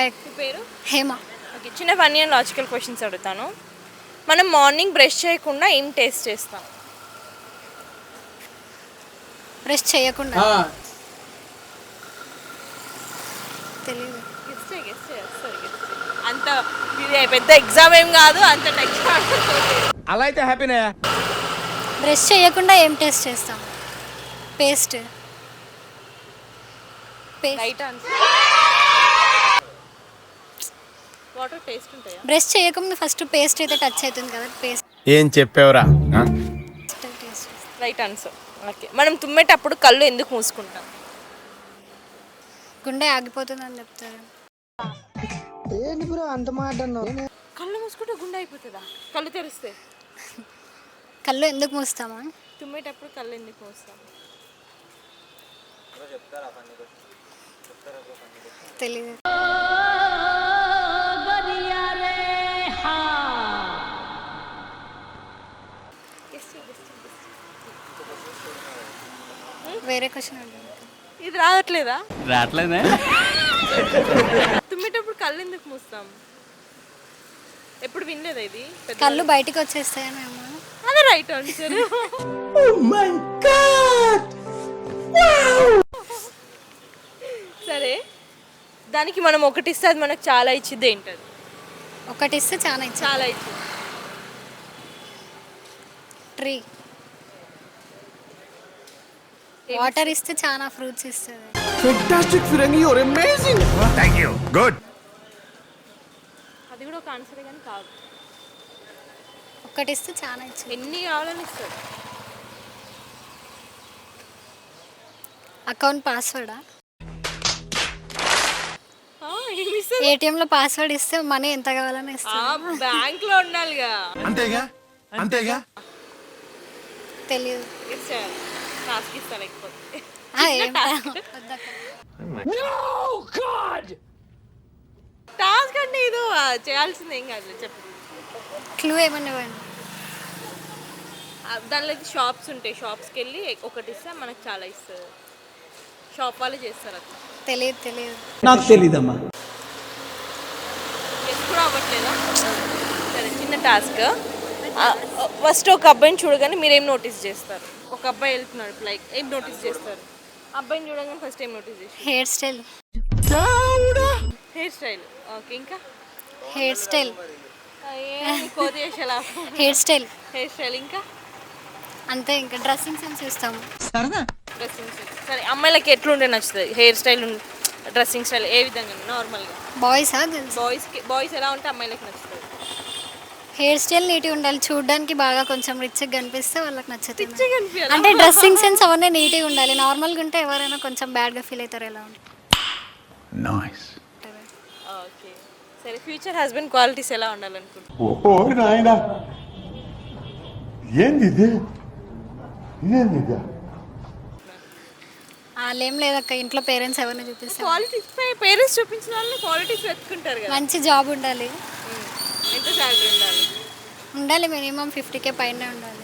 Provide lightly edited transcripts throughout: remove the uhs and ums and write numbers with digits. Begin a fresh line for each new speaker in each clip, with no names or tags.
Hi.
మీ పేరు?
Hema.
Okay, చిన్న ఫన్నీ అండ్ లాజికల్ క్వశ్చన్స్ అడుగుతాను. మనం మార్నింగ్ బ్రష్ చేయకుండా ఏం టేస్ట్ చేస్తాం?
బ్రష్ చేయకుండా తెలియదు.
అంత ఇది పెద్ద ఎగ్జామ్ ఏం కాదు, అంత టెక్స్ట్
అలా అయితే హ్యాపీనే.
బ్రష్ చేయకుండా ఏం టేస్ట్ చేస్తాం? Paste.
Right answer. Water taste ఉంటాయా?
బ్రష్ చేయకుండా ఫస్ట్ పేస్ట్ అయితే టచ్ అవుతుంది కదా, పేస్ట్
ఏం చెప్పావురా?
టేస్ట్.
Right answer. ఓకే, మనం తుమ్మేటప్పుడు కళ్ళు ఎందుకు మూసుకుంటాం?
గుండె ఆగిపోతుంది అని చెప్తారు.
ఏంటి బ్రో అంత మాట అన్నావు?
కళ్ళు మూసుకుంటే గుండె అయిపోతుందా? కళ్ళు తెరిస్తే?
కళ్ళు ఎందుకు మూస్తామా?
తుమ్మేటప్పుడు కళ్ళు ఎందుకు మూస్తాం?
తెలియదు. వేరే క్వశ్చన్ అడుగు.
ఇది రావట్లేదా?
రావట్లేదే.
తుమ్మేటప్పుడు కళ్ళు ఎందుకు మూస్తాం? ఎప్పుడు వినలేదా ఇది?
కళ్ళు బయటికి వచ్చేస్తాయేమో.
అదే రైట్ ఆన్సర్. సరే, దానికి మనం ఒకటి ఇస్తే అది మనకు చాలా ఇచ్చింది ఏంటది?
ఒకటి ఇస్తే చాలా ఇచ్చా.
చాలా ఇచ్చింది.
ట్రీ. వాటర్ ఇస్తే చాలా ఫ్రూట్స్ ఇస్తుంది.
ఫెంటాస్టిక్ ఫిరంగి, you are amazing. Thank you. Good.
అది కూడా ఒక ఆన్సర్ కానీ కాదు.
ఒకటి ఇస్తే చాలా ఇచ్చింది.
ఎన్ని కావాలని ఇస్తాడు?
అకౌంట్ పాస్వర్డా?
ఏటీఎంలో
పాస్వర్డ్ ఇస్తే మనీ ఎంత కావాలని ఇస్తాను.
బ్యాంక్ లో ఉండాలిగా.
అంతేగా అంతేగా.
తెలియదు.
టాస్క్ ఇస్తా లేకపోతే. టాస్క్ అంటే ఇది చేయాల్సింది ఏం కాదు. చెప్పు.
క్లూ ఏమన్నా ఇవ్వండి.
దానిలో షాప్స్ ఉంటాయి, షాప్స్కి వెళ్ళి ఒకటి ఇస్తే మనకు చాలా ఇస్తుంది. షాప్ వాళ్ళు చేస్తారు అట్లా.
తెలియదు.
నాకు తెలీదమ్మా.
ఎప్పుడు అవ్వట్లేదా? సరే, చిన్న టాస్క్. ఫస్ట్ ఒక అబ్బాయిని చూడగానే మీరు ఏం నోటీస్ చేస్తారు? ఒక అబ్బాయి వెళ్తున్నాడు, లైక్ ఏం నోటీస్ చేస్తారు? అబ్బాయిని చూడగానే ఫస్ట్ ఏం నోటీస్ చేస్తారు?
Hair style.
Hair style. Okay, ఇంకా?
Hair style.
Hair style. Hair style. ఇంకా
అంతే. ఇంకా డ్రెస్సింగ్ సెన్స్ ఇస్తాము.
Dressing sense. సరే, అమ్మాయిలకి ఎట్లుంటే నచ్చుతుంది? హెయిర్ స్టైల్, డ్రెస్సింగ్ స్టైల్ ఏ విధంగా? నార్మల్గా
బాయ్సా గర్ల్స్?
బాయ్స్ ఎలా ఉంటే అమ్మాయిలకి నచ్చుతుంది?
హెయిర్ స్టైల్ నీట్గా ఉండాలి, చూడడానికి బాగా కొంచెం రిచ్గా కనిపిస్తే వాళ్ళకి నచ్చుతుంది.
రిచ్గా కనిపించాలి
అంటే డ్రెస్సింగ్ సెన్స్ అవన్నీ నీట్గా ఉండాలి. నార్మల్గా ఉంటే ఎవరైనా కొంచెం బ్యాడ్గా ఫీల్ అవుతారు. ఎలా ఉంటుంది?
నైస్.
ఓకే, సరే, ఫ్యూచర్ హస్బెండ్ క్వాలిటీస్ ఎలా ఉండాలనుకుంటున్నాను?
ఓ నాయనా, ఏంది ఇది?
వాళ్ళేం లేదక్క, ఇంట్లో పేరెంట్స్ ఎవరిని చూపిస్తారు.
క్వాలిటీస్ పేరెంట్స్ చూపించిన వాళ్ళని క్వాలిటీస్ వెతుకుంటారు కదా.
మంచి జాబ్ ఉండాలి.
ఎంత శాలరీ ఉండాలి?
మినిమం 50K పైన ఉండాలి.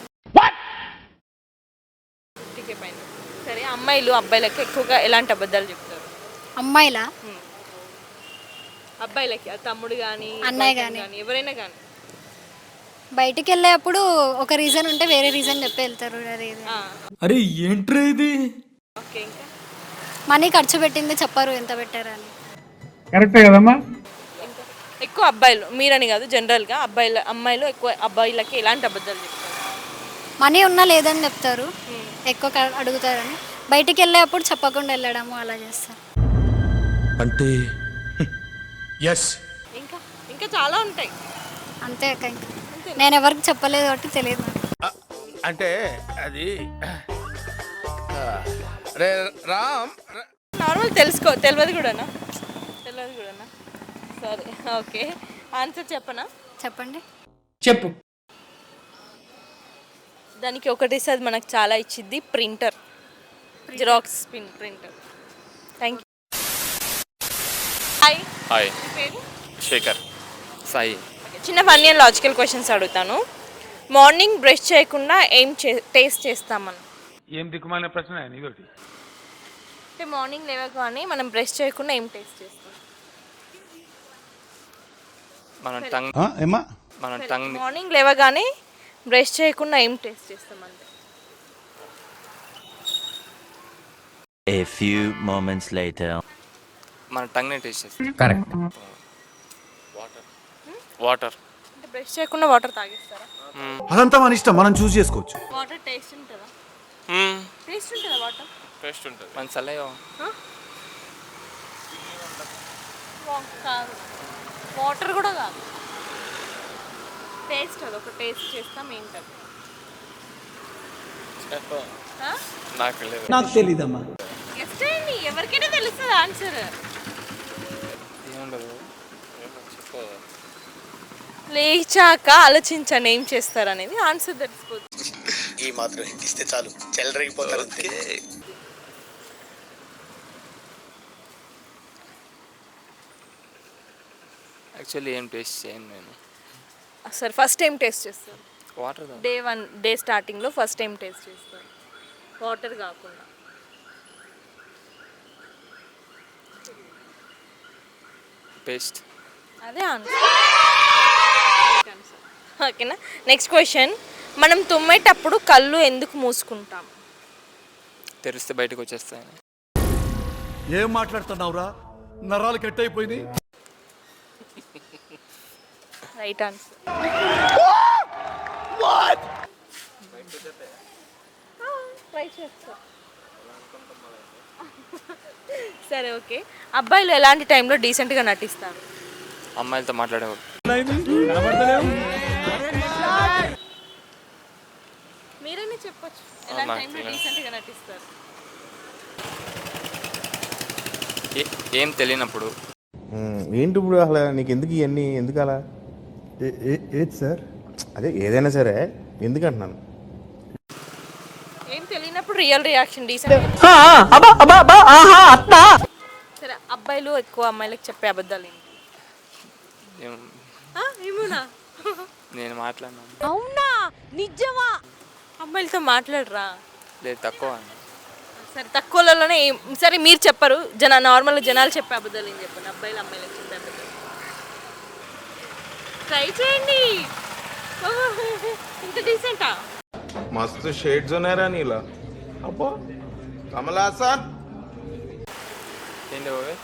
50K పైన. సరే, అమ్మాయిలు అబ్బాయిలకి ఎక్కువగా ఎలాంటి అబద్ధాలు చెప్తారు?
అమ్మాయిలా?
అబ్బాయిలకి తమ్ముడు కానీ
అన్నయ్య కానీ
ఎవరైనా కానీ
బయటికి వెళ్ళేప్పుడు ఒక రీజన్ ఉంటే వేరే రీజన్ చెప్పి వెళ్తారు.
అరే ఏంట్రా ఇది?
ఓకే, ఇంకా?
మనీ ఖర్చు పెట్టింది చెప్పరు ఎంత పెట్టారు అని.
కరెక్టే కదమ్మా.
ఇంకా ఎక్కువ అబ్బాయిలు, మీరని కాదు, జనరల్గా అమ్మాయిలు ఎక్కువ అబ్బాయిలకి ఎలాంటి అబద్ధాలు చెప్తారు?
మనీ ఉన్నా లేదని చెప్తారు, ఎక్కువ అడుగుతారని. బయటికి వెళ్ళేప్పుడు చెప్పకుండా వెళ్ళడము అలా చేస్తారు.
అంటే ఎస్.
ఇంకా ఇంకా చాలా ఉంటాయి.
అంతే అక్క. ఇంకా నేను ఎవరికి చెప్పలేదు కాబట్టి తెలియదు.
అంటే అది రామ్
నార్మల్ తెలియదు కూడానా? సరే, ఓకే, ఆన్సర్ చెప్పనా?
చెప్పండి.
చెప్పు.
దానికి ఒకటి ఇస్తే అది మనకు చాలా ఇచ్చింది. Printer. Xerox printer. Thank you. Hi.
Hi.
మీ పేరు?
శేఖర్. సాయి.
చిన్న ఫన్నీ అండ్ లాజికల్ క్వశ్చన్స్ అడుగుతాను. మార్నింగ్ బ్రష్ చేయకుండా ఏం టేస్ట్ చేస్తామని?
ఏం దిక్కుమాలిన ప్రశ్న ఇదొకటి.
అంటే మార్నింగ్ లేవగానే మనం బ్రష్ చేయకుండా ఏం టేస్ట్ చేస్తాం?
మన టంగ్
ఏమా
మన టంగ్
మార్నింగ్ లేవగానే బ్రష్ చేయకుండా ఏం టేస్ట్ చేస్తాం అంటే
A few moments later.
మన టంగ్నే టేస్ట్ చేస్తాం.
కరెక్ట్.
వాటర్
అంటే బ్రష్ చేయకుండా వాటర్ తాగేస్తారా?
అదంతా మన ఇష్టం, మనం చూస్ చేసుకోవచ్చు.
వాటర్ టేస్ట్ ఉంటుందా? టేస్ట్ ఉంటుందా వాటర్?
టేస్ట్ ఉంటుంది. మన సలహా
కాదు, వాటర్ కూడా కాదు, టేస్ట్ అది ఒక టేస్ట్ చేస్తాం. ఏంటది?
నాకు లేదు.
నాకు తెలీదమ్మా.
గెస్ చేయండి, ఎవరికైనా తెలుస్తుంది ఆన్సర్.
ఏముండదు చెప్పు.
లేచాక ఆలోచించండి ఏం చేస్తారు అనేది, ఆన్సర్ తెలిసిపోతుంది.
ఈ మాత్రం ఇస్తే చాలు, చెల్లరగిపోతారు అంతే.
యాక్చువల్లీ ఏం టేస్ట్ చేయను నేను.
సరే, ఫస్ట్ టైం టేస్ట్ చేస్తారు.
వాటర్
డే స్టార్టింగ్లో ఫస్ట్ టైం టేస్ట్ చేస్తారు, వాటర్ కాకుండా.
పేస్ట్.
అదే ఆన్సర్. ఓకేనా? Next question. మనం తుమ్మేటప్పుడు కళ్ళు ఎందుకు మూసుకుంటాం?
తెరిస్తే బయటకు వచ్చేస్తాయి.
ఏం మాట్లాడుతున్నావురా, నరాలు కట్ అయిపోయింది.
Right answer. ట్రై చేస్తా. సరే, ఓకే. అబ్బాయిలు ఎలాంటి టైంలో డీసెంట్గా నటిస్తారు?
అమ్మాయిలతో మాట్లాడేవాడు.
మీరైనా చెప్పొచ్చు, ఎలాంటి టైంలో డీసెంట్గా నటిస్తారు?
ఏం తెలియనప్పుడు.
ఏంటి ఇప్పుడు అసలు నీకు ఎందుకు ఇవన్నీ, ఎందుకు అలా?
ఏది సార్?
అదే ఏదైనా సరే ఎందుకు అంటున్నాను.
ఏం తెలియనప్పుడు రియల్ రియాక్షన్ డీసెంట్. సరే, అబ్బాయిలు ఎక్కువ అమ్మాయిలకు చెప్పే అబద్ధాలు ఏంటి? ఏమోనా?
నేను మాట్లాడినాను.
అవునా? నిజమా? అమ్మాయిలతో మాట్లాడరా?
లేదు, తక్కువ.
సరే, తక్కువలోనే సరే మీరు చెప్పరు, నార్మల్గా జనాలు చెప్పే అబద్ధాలు ఏం చెప్పండి, అబ్బాయిలు అమ్మాయిలకు చెప్పే అబద్ధాలు. ట్రై చేయండి. ఇంత డీసెంటా?
మస్తు షేడ్స్ ఉన్నారా నీలా? అబ్బో కమలాసన్.
ఏంటి బాబాయ్?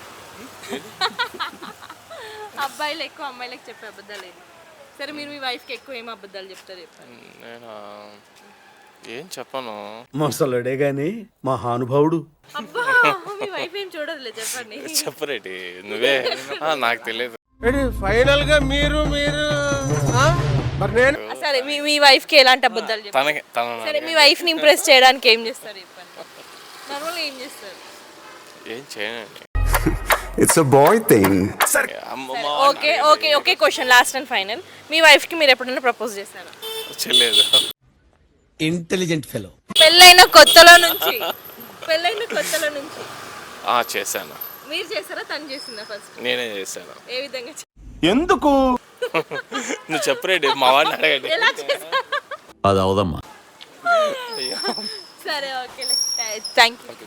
అబ్బాయిలు ఎక్కువ అమ్మాయిలకు చెప్పే అబద్ధాలు ఏంటి? సరే, మీరు మీ వైఫ్కి ఎక్కువ ఏం అబద్ధాలు చెప్తారు చెప్పండి.
నేను ఏం చెప్పను.
మొసలుడే గాని మహానుభావుడు.
అబ్బా, మీ వైఫ్ ఏం చూడదులే, చెప్పండి.
చెప్పరేటి నువ్వే. నాకు తెలియదు.
ఫైనల్ గా మీరు మరి నేను
సరే, మీ వైఫ్కి ఎలాంటి అబద్ధాలు చెప్తారు? సరే, మీ వైఫ్ని ఇంప్రెస్ చేయడానికి ఏం చేస్తారు చెప్పండి. నార్మల్గా ఏం చేస్తారు?
ఏం చేయనండి.
It's a boy thing.
Okay okay okay question, last and final. మీ వైఫ్కి మీరు ఎప్పుడైనా ప్రపోజ్ చేశారా?
చేయలేదు.
Intelligent fellow.
పెళ్ళైన కొత్తలో నుంచి
చేశాను.
మీరు చేశారా, తను చేసిందా? ఫస్ట్
నేనే చేశాను.
ఏ విధంగా
ఎందుకు
నువ్వు చెప్పరేటి, మా వాడిని అడగండి.
ఎలా చేశారు?
అది అవదమ్మా.
సరే, ఓకే, థ్యాంక్ యూ.